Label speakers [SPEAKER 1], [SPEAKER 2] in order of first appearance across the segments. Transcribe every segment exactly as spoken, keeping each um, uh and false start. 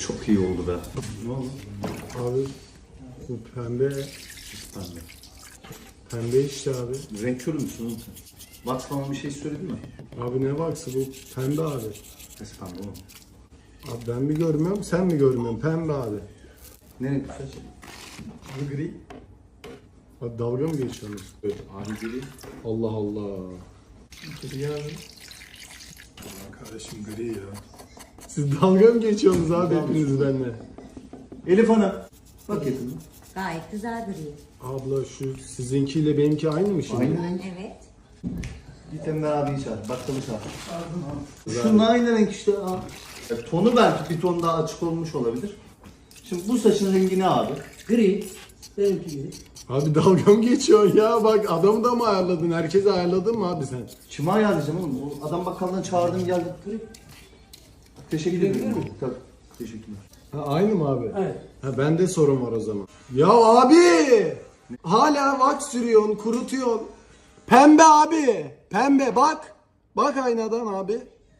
[SPEAKER 1] Çok iyi oldu be. Ne oldu?
[SPEAKER 2] Abi bu pembe,
[SPEAKER 1] Pembe.
[SPEAKER 2] pembe işte abi.
[SPEAKER 1] Renk körü müsün oğlum sen? Bak sana bir şey söyledi mi?
[SPEAKER 2] Abi ne baksı bu pembe abi.
[SPEAKER 1] Ses pembe oğlum.
[SPEAKER 2] Abi ben mi görmüyorum sen mi görmüyorsun pembe abi.
[SPEAKER 1] Ne renk bu saç?
[SPEAKER 2] Bu gri. Abi dalga mı geçiyorsunuz? Evet.
[SPEAKER 1] Abi gri.
[SPEAKER 2] Allah Allah.
[SPEAKER 3] Gri abi. Aman kardeşim gri ya.
[SPEAKER 2] Siz dalga mı geçiyorsunuz abi hepiniz benimle?
[SPEAKER 1] Elif Hanım. Bak yakında.
[SPEAKER 4] Gayet güzel duruyor.
[SPEAKER 2] Abla şu sizinkiyle benimki aynı mı şimdi?
[SPEAKER 1] Aynı renk.
[SPEAKER 4] Evet.
[SPEAKER 1] Git Emre abiyi çağır. Bakkalı çağır. Şunun aynı renk işte. Abi. Ya, tonu belki bir ton daha açık olmuş olabilir. Şimdi bu saçın rengi ne abi?
[SPEAKER 5] Gri. Benimki gri.
[SPEAKER 2] Abi dalga mı geçiyorsun ya? Bak adamı da mı ayarladın? Herkesi ayarladın mı abi sen?
[SPEAKER 1] Kime ayarlayacağım oğlum? O adam bakkaldan çağırdım geldi. Teşekkür
[SPEAKER 5] Gidebilir
[SPEAKER 1] ederim.
[SPEAKER 5] miyim?
[SPEAKER 1] Tabii. Teşekkürler.
[SPEAKER 2] Ha, aynı mı abi?
[SPEAKER 5] Evet.
[SPEAKER 2] Ha bende sorun var o zaman. Ya abi! Hala wax sürüyorsun, kurutuyorsun. Pembe abi! Pembe bak! Bak aynadan abi.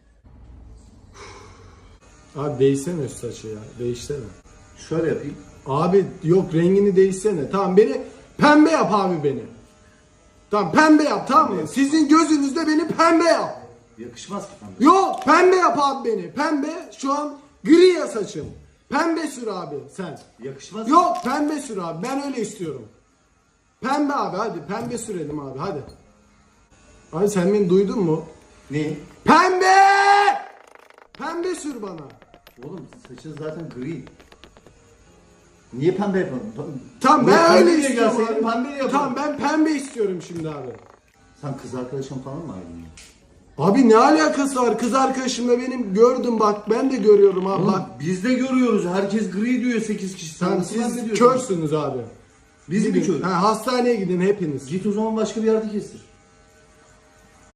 [SPEAKER 2] Abi değişsene şu saçı ya. Değişsene.
[SPEAKER 1] Şöyle yapayım.
[SPEAKER 2] Abi yok rengini değişsene. Tamam beni pembe yap abi beni. Tamam pembe yap tamam mı? Sizin gözünüzde beni pembe yap.
[SPEAKER 1] Yakışmaz ki pembe.
[SPEAKER 2] Yok pembe yap abi beni. Pembe şu an gri ya saçım. Pembe sür abi sen.
[SPEAKER 1] Yakışmaz.
[SPEAKER 2] Yok pembe sür abi ben öyle istiyorum. Pembe abi hadi pembe sürelim abi hadi. Abi sen beni duydun mu?
[SPEAKER 1] Ne?
[SPEAKER 2] Pembe! Pembe sür bana.
[SPEAKER 1] Oğlum saçın zaten gri. Niye pembe yapalım?
[SPEAKER 2] Tamam
[SPEAKER 1] Niye
[SPEAKER 2] ben
[SPEAKER 1] pembe
[SPEAKER 2] öyle
[SPEAKER 1] diye
[SPEAKER 2] istiyorum
[SPEAKER 1] gelseydin
[SPEAKER 2] abi.
[SPEAKER 1] pembe yapalım.
[SPEAKER 2] Tamam ben pembe istiyorum şimdi abi.
[SPEAKER 1] Sen kız arkadaşın falan mı ayrılıyorsun?
[SPEAKER 2] Abi ne alakası var? Kız arkadaşımla benim gördüm bak ben de görüyorum abi
[SPEAKER 1] Oğlum
[SPEAKER 2] bak.
[SPEAKER 1] biz de görüyoruz. Herkes gri diyor sekiz kişi. Sen
[SPEAKER 2] Sen
[SPEAKER 1] nasıl
[SPEAKER 2] siz
[SPEAKER 1] bahsediyorsun?
[SPEAKER 2] körsünüz abi.
[SPEAKER 1] Biz mi
[SPEAKER 2] Gidin.
[SPEAKER 1] körüz?
[SPEAKER 2] Ha, hastaneye gidin hepiniz.
[SPEAKER 1] Git o zaman başka bir yerde kestir.